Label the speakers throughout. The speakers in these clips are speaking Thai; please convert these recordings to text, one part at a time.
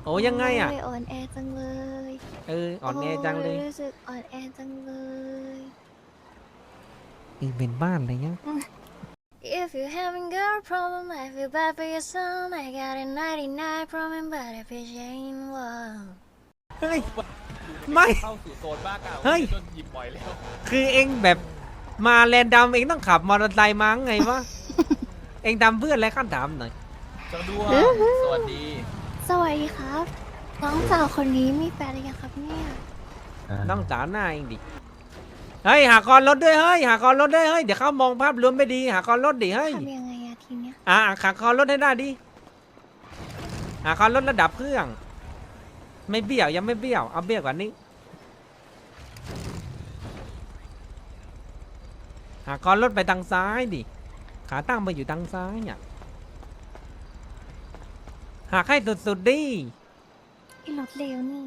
Speaker 1: โอ้ยังไงอ่ะ
Speaker 2: อ่อนแอจังเลย
Speaker 1: อ่อนแอจังเลย
Speaker 2: รู้สึกอ่อนแอจังเลย
Speaker 1: เป็นบ้านอะไรเงี้ย
Speaker 2: If you having girl problem I feel bad for your son I got a 99 problem but if it ain't one
Speaker 1: เฮ้ย
Speaker 3: อยู่
Speaker 1: ไม่
Speaker 3: เข้าสู่โซนบ้ากาว
Speaker 1: เฮ้ย
Speaker 3: จนหยิบบ่อยแล้ว
Speaker 1: คือเองแบบมาแรนดัมเองต้องขับมอเตอร์ไซค์มั้งไงวะ เองทำเพื่อนอะไรขั้นถามหน่อย
Speaker 3: จังด้วยสวัสดี
Speaker 2: สวัสดีครับน้องสาวคนนี้มีแฟนหรือยังครับเนี่ย
Speaker 1: ต้องสาวหน้าเองดิ เฮ้ยหากรรถด้วยเฮ้ยหากรรถด้วยเฮ้ยเดี๋ยวเขามองภาพรวมไม่ดีหากรรถดิเฮ้ย
Speaker 2: ทำยังไงอะทีเนี้ย
Speaker 1: หากรรถให้ได้ดิหากรถระดับเครื่อง ไม่เบี้ยวยังไม่เบี้ยวเอาเบี้ยวกว่านี้หากรถไปทางซ้ายดิขาตั้งไปอยู่ทางซ้ายเนี่ยหากให้สุดๆดิ
Speaker 2: ไอ้รถเร็วนี่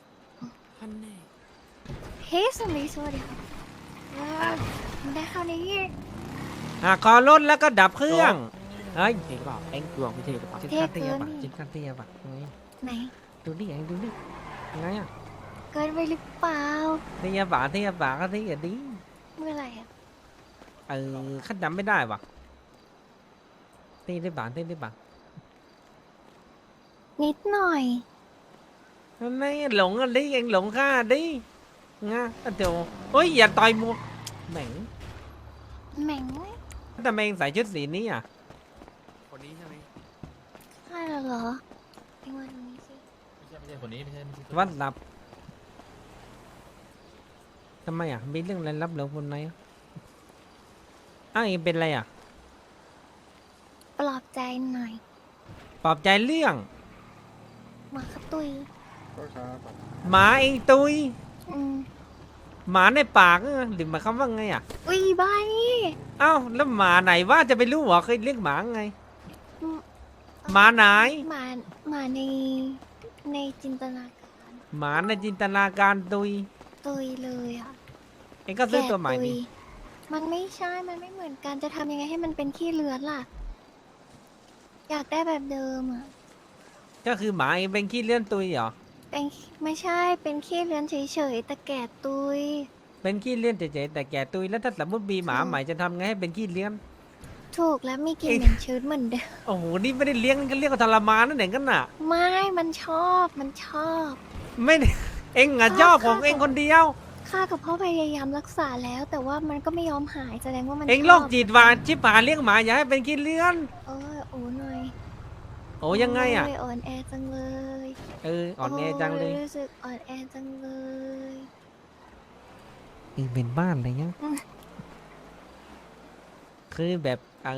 Speaker 2: เฮ้ยสวัสดีครับมันได้เข้าในนี้
Speaker 1: หากรรถแล้วก็ดับเครื่องเฮ้ยเองบอกเองดวงไม่ใช่หรือเปล่าชิ้นคันเทียบอ่ะชิ้นคันเทียบอ่ะ
Speaker 2: ไหน
Speaker 1: ดูดิเองดูดิยังไงอ่ะ
Speaker 2: เกินไปหรือเปล่า
Speaker 1: เทียบอ่ะเทียบอ่ะก็เทียบดิ
Speaker 2: เมื่อไหร่อะ
Speaker 1: ขั้นจำไม่ได้ว่ะตีได้บ้างตีได้บ้าง
Speaker 2: นิดหน่อย
Speaker 1: ไม่หลงอ่ะดิเองหลงข้าดิงะเดี๋ยวโอ้ยอย่าต่อยมัวแหม่ง
Speaker 2: แหม่งไหม
Speaker 1: ทำไมเองใส่ชุดสีนี้อ่ะ
Speaker 3: คนนี้ใช่ไหม
Speaker 2: ใช่เหรอไอ้วันนี้สิ
Speaker 3: ไม่ใช่คนนี้ไม่ใช่
Speaker 1: วัดลับทำไมอ่ะมีเรื่องอะไรลับเหลือคนไหนอ่ะอ้าวเองเป็นอะไรอ่ะ
Speaker 2: ปลอบใจหน่อย
Speaker 1: ปลอบใจเรื่อง
Speaker 2: หมาครับตุย
Speaker 1: หมาเองตุย
Speaker 2: อืม
Speaker 1: หมาในปากหรือหมายความว่าไงอ่ะ
Speaker 2: อุ้ยบ้านี่
Speaker 1: อ้าวแล้วหมาไหนว่าจะไปรู้เหรอเคยเลี้ยงหมาไง
Speaker 2: อืม
Speaker 1: หมาไหน
Speaker 2: หมาในจินตนาการ
Speaker 1: หมาในจินตนาการตุย
Speaker 2: ตุยเลยอะ
Speaker 1: เองก็ซื้อตัวใหม่
Speaker 2: แกะตุ
Speaker 1: ดิ
Speaker 2: ยมันไม่ใช่ มันไม่เหมือนกันจะทำยังไงให้มันเป็นขี้เลือนล่ะ อยากได้แบบเดิมอะ
Speaker 1: ก็คือหมาเองเป็นขี้เลื่อนตุยเหรอ
Speaker 2: เป็นไม่ใช่ เป็นขี้เลือนเฉยๆแต่แก่ตุย
Speaker 1: เป็นขี้เลื่อนเฉยๆแต่แก่ตุยแล้วถ้าสมมติมีหมาใหม่จะทำไงให้เป็นขี้เลื่อน
Speaker 2: ถูกแล้วมีกลิ่นเหม็นชื้นเหมือนเดิม
Speaker 1: โอ้โหนี่ไม่ได้เลี้ยงก็เรียกว่าทรมานนั่นเองกันน่ะ
Speaker 2: ไม่ มันชอบ มันชอบ
Speaker 1: ไม่ได้เองอ่ะชอบของเองคนเดียว
Speaker 2: ข้ากับพ่อพยายามรักษาแล้ว แต่ว่ามันก็ไม่ยอมหายแสดงว่ามัน
Speaker 1: เอง
Speaker 2: ชบ
Speaker 1: โรคจิตหวานชิบหายเลี้ยงหมาอย่าให้เป็นขี้เลื่อน
Speaker 2: โอ้ยโอ้หน่อย
Speaker 1: โอ้ยังไงอ่ะ
Speaker 2: โอ่อนแอจังเลย
Speaker 1: อ่อนแอจังเลย
Speaker 2: โรู้สึกอ่อนแอจังเลย
Speaker 1: เป็นบ้านอะไรเงี้ย
Speaker 2: อืม
Speaker 1: คือแบบ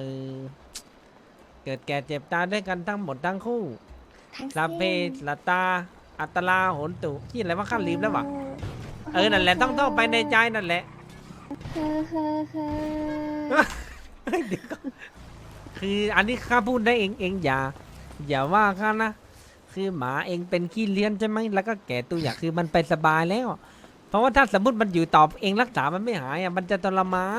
Speaker 1: เกิดแก่เจ็บตายด้วยกันทั้งหมดทั้งคู่
Speaker 2: ทั้ง
Speaker 1: ลาเพ
Speaker 2: สิ้น
Speaker 1: ลาตา อัตลาโหนตุที่อะไรว่าข้าลืมแล้ววะนั่นแหละต้องไปในใจนั่นแหละ
Speaker 2: เฮ้อเฮ้อเฮ้อ
Speaker 1: เฮ้ยเดี๋ยวก่อนคืออันนี้ข้าพูดได้เองอย่าว่าข้านะ คือหมาเองเป็นขี้เลี้ยนใช่ไหมแล้วก็แก่ตัวอย่างคือมันไปสบายแล้ว เพราะว่าถ้าสมมติมันอยู่ต่อเองรักษามันไม่หายอ่ะมันจะทรมาน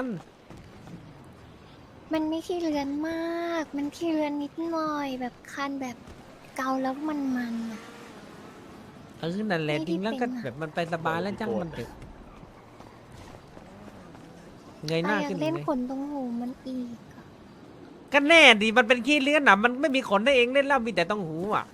Speaker 2: มันไม่ขี้เลือนมาก มันขี้เลือนนิดหน่อยแบบคันแบบเกาแล้วมันอะ
Speaker 1: นั่นแหละ
Speaker 2: ไม่ได้
Speaker 1: จริงแล้วก็
Speaker 2: เป็นอะ
Speaker 1: แบบมันไปสบายแล้วจังมันเถอะเงยห
Speaker 2: แต่
Speaker 1: น้า
Speaker 2: อยา
Speaker 1: ขึ้น
Speaker 2: ก
Speaker 1: เล
Speaker 2: เล่
Speaker 1: ย
Speaker 2: นขนตรงหูมันอีกอะ
Speaker 1: ก็แน่ดิมันเป็นขี้เลี้ยนอ่ะมันไม่มีขนให้เองเล่นแล้วมีแต่ต้องหูอ่ะ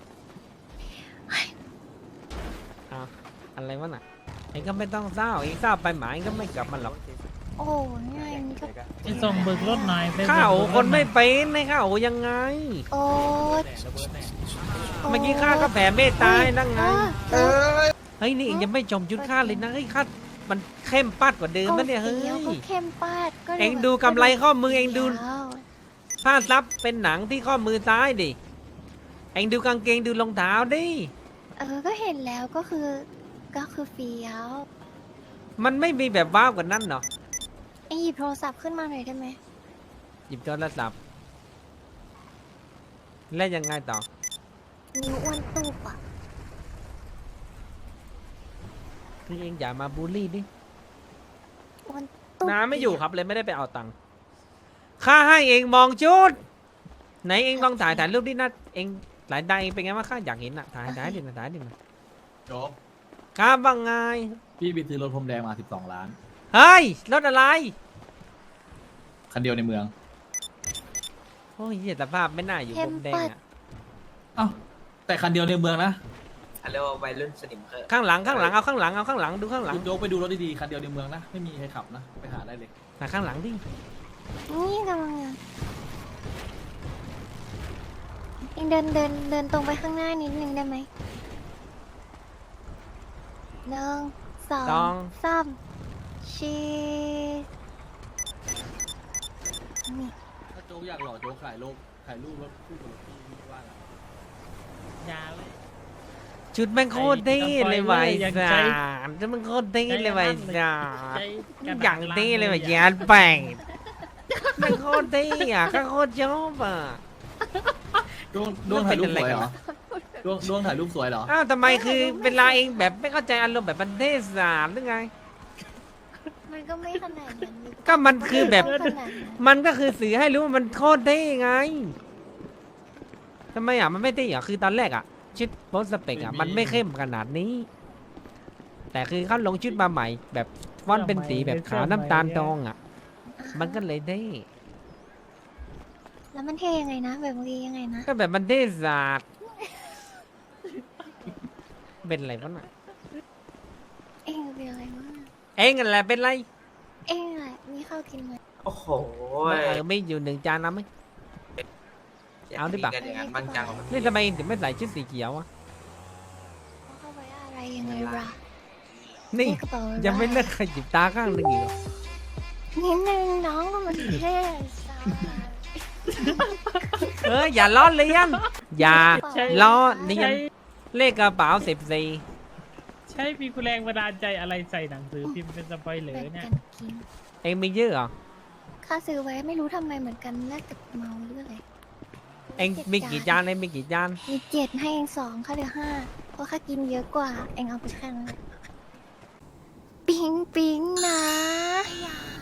Speaker 1: เอาอะไรวะน่ะเองก็ไม่ต้องเศร้าเองเศร้าไปหมาเองก็ไม่กลับมาหรอก
Speaker 2: โอ้ง่ายมันก็
Speaker 4: ไปส่งเบิกรถหน่อยไป
Speaker 1: ข้าโอ
Speaker 4: เบิกรถ
Speaker 1: คนไม่
Speaker 4: หอย
Speaker 1: เป็นให้ข้าโอยังไง
Speaker 2: โอ้
Speaker 3: แน่ระเบิดแน่
Speaker 1: เมื่อกี้ข้าก็แผ่เมตตาให้นั่งไง
Speaker 2: เออ
Speaker 1: เฮ้ยนี่เองยังไม่จมชุดข้าเลยนะเฮ้ยข้ามันเข้มปัดกว่าเดิมนะเนี่ยเฮ้ย
Speaker 2: สีก็เข้มปาดก็ลย
Speaker 1: เอ็งดูกำไรข้อมือเอ็งดู
Speaker 2: ยาว
Speaker 1: ผ้าซับเป็นหนังที่ข้อมือซ้ายดิเอ็งดูกางเกงดูรองเท้าดิ
Speaker 2: ก็เห็นแล้วก็คือเฟี้ยว
Speaker 1: มันไม่มีแบบว้าวกว่านั้นเนาะ
Speaker 2: เอ็งหยิบโทรศัพท์ขึ้นมาหน่อยได้ไหม
Speaker 1: หยิบโทรศัพท์แล้วยังไงต่อ
Speaker 2: นิ้วอ้วนตูบอ่ะ
Speaker 1: คือเอ็งอย่ามาบูลลี่ดิ
Speaker 2: อ้วนตูบ
Speaker 1: น้าไม่อยู่ครับเลยไม่ได้ไปเอาตังค์ข้าให้เอ็งมองชุดไหนเอ็งลองถ่ายรูปดินะเอ็งหลายได้เป็นไงบ้างข้าอยากเห็นอ่ะถ่ายดิถ่ายดิ
Speaker 5: โจก
Speaker 1: ครับว่าไง
Speaker 5: พี่ไปซื้อรถพรมแดงมา12 ล้าน
Speaker 1: เฮ้ยรถอะไร
Speaker 5: คันเดียวในเมือง
Speaker 1: โอ้ยเหี้ยสภาพไม่น่าอยู่บนแดงอ่ะ
Speaker 5: เอ้าแต่คันเดียวในเมืองนะ
Speaker 6: เรียกว่าวัยรุ่นสนิมเขอะ
Speaker 1: ข้างหลังเอาข้างหลังดูข้างหลัง
Speaker 5: คุณโจ๊กไปดูรถดีๆคันเดียวในเมืองนะไม่มีใครขับนะไปหาได้เลย
Speaker 1: หาข้างหลังดิ
Speaker 2: นี่กำลังเองเดินตรงไปข้างหน้านิดนึงได้ไหมหนึ่งสองสามชีนี่
Speaker 5: ถ้าโจ๊กอยากหล่อโจ๊กถ่ายรูปรถคู่กับรถพี่ว่าไง
Speaker 4: ยาเลย
Speaker 1: ชุดแม่งโคตรเท่เลยว่ะไอ้
Speaker 4: ยัง
Speaker 1: สา
Speaker 4: ใจ
Speaker 1: รชุดแม่งโคตรเท่เลยว่ะไอ้สาร
Speaker 4: ใจกระดษ
Speaker 1: อย่างเท่เลยว่ะยานแป่งแม่งโคตรเท่อะก็โคตรชอบอ่ะ
Speaker 5: ดวงถ่ายรูปสวยเหรอดวงถ่ายรูปสวยเหรอ
Speaker 1: อ้าวทำไมคือเวลาเองแบบไม่เข้าใจอารมณ์แบบมันเทศสารหรือไง
Speaker 2: มันก็ไม่ขนาดนั้น
Speaker 1: ก็มันคือแบบ
Speaker 2: ไม่ขนาดนั้น
Speaker 1: มันก็คือสื่อให้รู้ว่ามันโคตรเท่ไงทำไมอ่ะมันไม่เท่อ่ะคือตอนแรกอ่ะชุดโพสสเปกอ่ะมันไม่เข้มขนาดนี้ แต่คือเขาลงชุดมาใหม่ แบบฟอนต์เป็นสีแบบขาวน้ำตาลทองอ่ะ มันก็เลยเท่
Speaker 2: แล้วมันเท่ยังไงนะแบบเมื่อกี้ยังไงนะ
Speaker 1: ก็แบบมันเท่ศาสตร์เป็นอะไรวะน่ะ
Speaker 2: เองเป็นอะไรวะ
Speaker 1: เองอะไรเป็นไร
Speaker 2: เองอะไรมีข้าวกินไหม
Speaker 6: โอ้โห
Speaker 1: ไม่อยู่หนึ่งจานนะไหม เอาดิปะ
Speaker 6: กันอย่างนั้นบ้างจัง
Speaker 1: นี่ทำไมถึงไม่ใส่ชุดสีเขียวอ่ะ
Speaker 2: เอาเข้าไปอะไรยังไงล่ะ
Speaker 1: นี่
Speaker 2: กระเป๋า
Speaker 1: ยังไม่เลิกขยิบตาข้างหนึงอีกเหรอ
Speaker 2: นิดนึงน้องก็มันเท่สา
Speaker 1: อย่าล้อเลียนอย่า
Speaker 4: ใช่
Speaker 1: ล้อเลียน
Speaker 4: ใช่
Speaker 1: เลขกระเป๋า14
Speaker 4: ใช่มีแรงบันดาลใจอะไรใส่หนังสือพิมพ์เป็นสปอยเลอ
Speaker 2: แบ่ง
Speaker 4: ร์เนี่ย
Speaker 2: กันกิน
Speaker 1: เองมีเยอะเหรอ
Speaker 2: ข้าซื้อไว้ไม่รู้ทำไมเหมือนกันน่าจะเมาหรืออะไร
Speaker 1: เองมีกี่จานเองมีกี่จาน
Speaker 2: มี7ให้เอง2ข้าเหลือ5เพราะข้ากินเยอะกว่า เองเอาไปแค่นั้นแหละปิ๊งปิ๊งนะ